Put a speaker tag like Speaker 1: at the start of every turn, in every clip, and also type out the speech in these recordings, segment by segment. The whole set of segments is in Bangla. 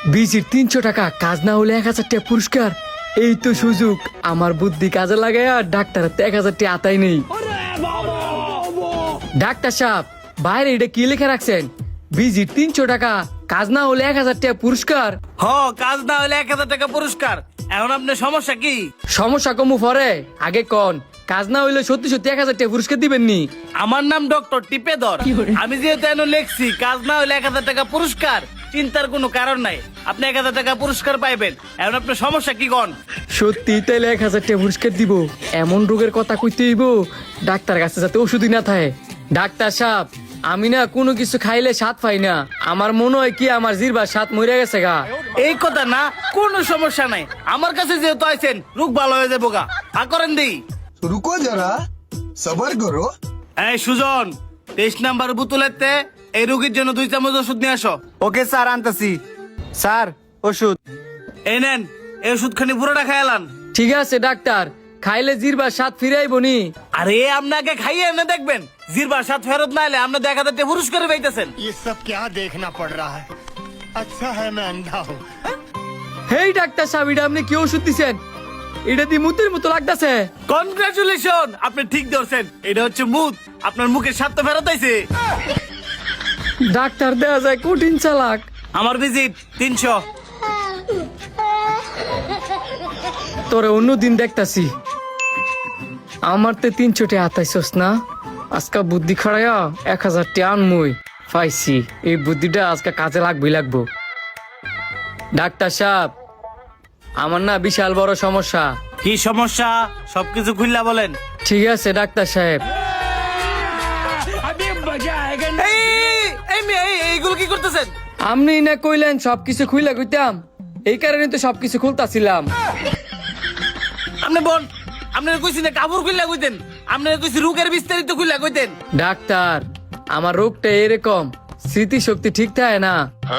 Speaker 1: ভিজিট 300 টাকা, কাজ না হলে 1000 টাকা পুরস্কার। এই তো সুযোগ, আমার বুদ্ধি কাজে লাগায় আর ডাক্তার 1000 টাকা আতাই নেই। ডাক্তার সাহেব, বাইরে এটা কি লিখে রাখছেন? ভিজিট 300 টাকা, কাজ না হলে 1000 টাকা পুরস্কার।
Speaker 2: কাজ না হলে 1000 টাকা পুরস্কার। এখন আপনার সমস্যা কি?
Speaker 1: সমস্যা কমু পরে, আগে কোন কাজ না হইলে সত্যি সত্যি 1000 টাকা পুরস্কার দিবেন নি?
Speaker 2: আমার নাম ডক্টর টিপেদর। আমি যেহেতু এনে লিখছি কাজ না হলে 1000 টাকা পুরস্কার, চিন্তার কোনো কারণ নাই। আপনি 1000 টাকা পুরস্কার পাইবেন। এখন আপনার সমস্যা কি কোন?
Speaker 1: সত্যি তাইলে 1000 টাকা পুরস্কার দিব? এমন রোগের কথা কইতে হইব ডাক্তার কাছে যাতে ওষুধই না থাকে। ডাক্তার সাহেব, আমি না কোনো কিছু খাইলে স্বাদ পাই না। আমার মনে হয় কি আমার জিহ্বার স্বাদ মরে গেছে গা।
Speaker 2: এই কথা না, কোনো সমস্যা নাই। আমার কাছে যেহেতু আইছেন, রোগ ভালো হয়ে যাবো গা। করেন দিই।
Speaker 3: रुको जरा सबर करो।
Speaker 2: এই সুজন, 23 নাম্বার বোতলেতে এই রোগীর জন্য 2 চামচ ওষুধ নিয়ে আসো।
Speaker 4: Okay sir, আনতাছি। স্যার, ওষুধ।
Speaker 2: এই নেন, এই ওষুধখানি পুরোটা খাইলান।
Speaker 1: ঠিক আছে ডাক্তার, খাইলে জিহ্বার স্বাদ ফিরাইব নি?
Speaker 2: আরে আপনাকে খাইয়ে এনে দেখবেন, জিরবার সাথ ফেরত না এলে আপনার 1000 টাকা পুরস্কার পাইতেছেন।
Speaker 5: ये सब क्या देखना पड़ रहा है? अच्छा है मैं अंधा हूँ।
Speaker 1: হেই ডাক্তার সাহেব, এটা আপনি কি ওষুধ দিছেন? এটা দি মুতের মতো লাগতাছে।
Speaker 2: কনগ্রাচুলেশন, আপনি ঠিক ধরছেন। এটা হচ্ছে মুদ। আপনার মুখের স্বাদ তো ফেরত আইছে।
Speaker 1: ডাক্তার দেয়া যায় কঠিন চালাক।
Speaker 2: আমার ভিজিট 300।
Speaker 1: তোরে অন্য দিন দেখতাছি। আমার তে 300 টাকা আতাইছস না? আজকা বুদ্ধি খাড়াইয়া 1000 টাকা আনমুই পাইছি। এই বুদ্ধিটা আজকে কাজে লাগবো। ডাক্তার সাহেব, আমার না বিশাল বড় সমস্যা।
Speaker 2: কি সমস্যা? সবকিছু খুললা বলেন।
Speaker 1: ঠিক আছে ডাক্তার সাহেব।
Speaker 2: এইগুলো কি করতেছেন?
Speaker 1: আপনি না কইলেন সবকিছু খুইলা কইতাম, এই কারণে তো সবকিছু খুলতাছিলাম।
Speaker 2: আপনি বোন, আপনার কইছি না কাপড় খুললা কইতেন, আপনার কইছি রোগের বিস্তারিত খুললা কইতেন।
Speaker 1: ডাক্তার, আমার রোগটা এরকম, স্মৃতিশক্তি ঠিক থাকে না।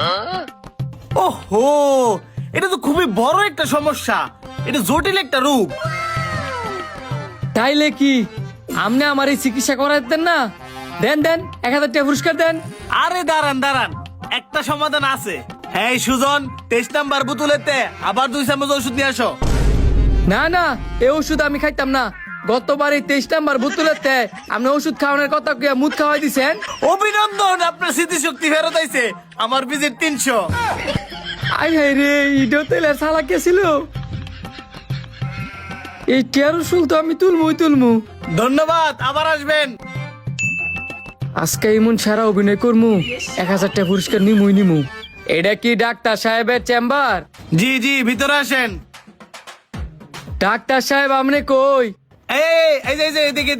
Speaker 2: ওহো, এটা তো খুবই বড় একটা সমস্যা। এটা জটিল একটা রোগ।
Speaker 1: তাইলে কি আপনি আমার এই চিকিৎসা করাতেন না? দেন 1000 টাকা পুরস্কার দেন।
Speaker 2: আরে দাঁড়ান, একটা সমাধান আছে। হ্যাঁ সুজন, 23 নাম্বার বোতলেতে আবার 2 চামচ ওষুধ নিয়ে আসো।
Speaker 1: না, এই ওষুধ আমি খাইতাম না। গতবার এই 23 নাম্বার বোতলেতে আপনি ওষুধ খাওয়ানোর কথা কইয়া মুদ খাওয়াই দিছেন।
Speaker 2: অভিনন্দন, আপনার স্মৃতিশক্তি ফেরত আইছে। আমার ভিজিট 300।
Speaker 1: আই হাই রে, ইডো তেলের সালা কে ছিল? এই টিয়ার ওষুধ তো আমি তুলমু।
Speaker 2: ধন্যবাদ, আবার আসবেন।
Speaker 1: আজকে এমন সারা অভিনয় করমু, 1000 টাকা পুরস্কার নিমু। এটা কি ডাক্তার সাহেবের চেম্বার?
Speaker 2: জি, ভিতরে আসেন।
Speaker 1: ডাক্তার সাহেব, আপনি কই?
Speaker 2: এই যে এদিকে।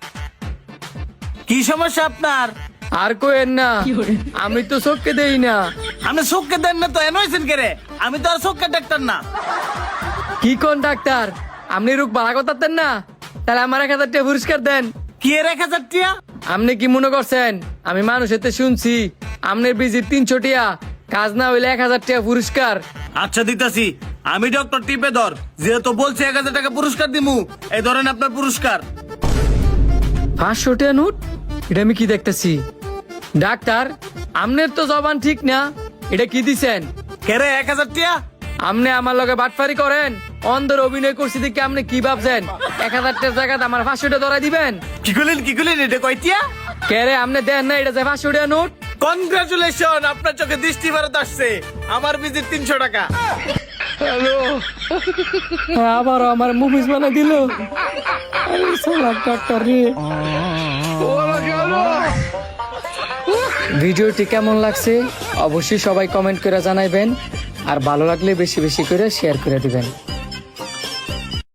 Speaker 2: কি সমস্যা আপনার?
Speaker 1: আর কইেন না, আমি তো চোখকে দেই না।
Speaker 2: আপনি চোখকে দেন না তো এন হয়েছেন কে রে? আমি তো আর চোখের ডাক্তার না।
Speaker 1: কি কোন ডাক্তার, আপনি রোগ বালা করতেন না? তাহলে আমার 1000 টাকা পুরস্কার দেন।
Speaker 2: কি 1000 টাকা?
Speaker 1: আপনি কি মনে করছেন আমি মানুষের শুনছি আপনার ভিজিট 300 টাকা, কাজ না হইলে 1000 টাকা পুরস্কার?
Speaker 2: আচ্ছা দিতাছি। আমি ডক্টর টিপেদর, যেহেতু বলছি 1000 টাকা পুরস্কার দিমু, এই ধরেন আপনার পুরস্কার।
Speaker 1: 500 টাকা নোট? এটা আমি কি দেখতেছি? ডাক্তার, আপনার তো জবান ঠিক না, এটা কি দিছেন?
Speaker 2: কে রে 1000 টাকা?
Speaker 1: আপনি আমার লগে বাটফারি করেন, অন্ধের অভিনয় করছি দেখে আপনি কি ভাবছেন 1000 টাকার জায়গাতে আমার 500 টাকা ধরাই দিবেন?
Speaker 2: কি করলেন এটা কয়টিয়া?
Speaker 1: কে রে, আপনি দেন না, এটা যে 500 টাকা নোট।
Speaker 2: কনগ্রাচুলেশন, আপনার চোখে দৃষ্টি ফেরত আসছে। আমার ভিজিট 300 টাকা।
Speaker 1: আবার আমার মুভিস বানা দিল। ডাক্তার রে, ভিডিওটি কেমন লাগছে অবশ্যই সবাই কমেন্ট করে জানাইবেন, আর ভালো লাগলে বেশি বেশি করে শেয়ার করে দিবেন।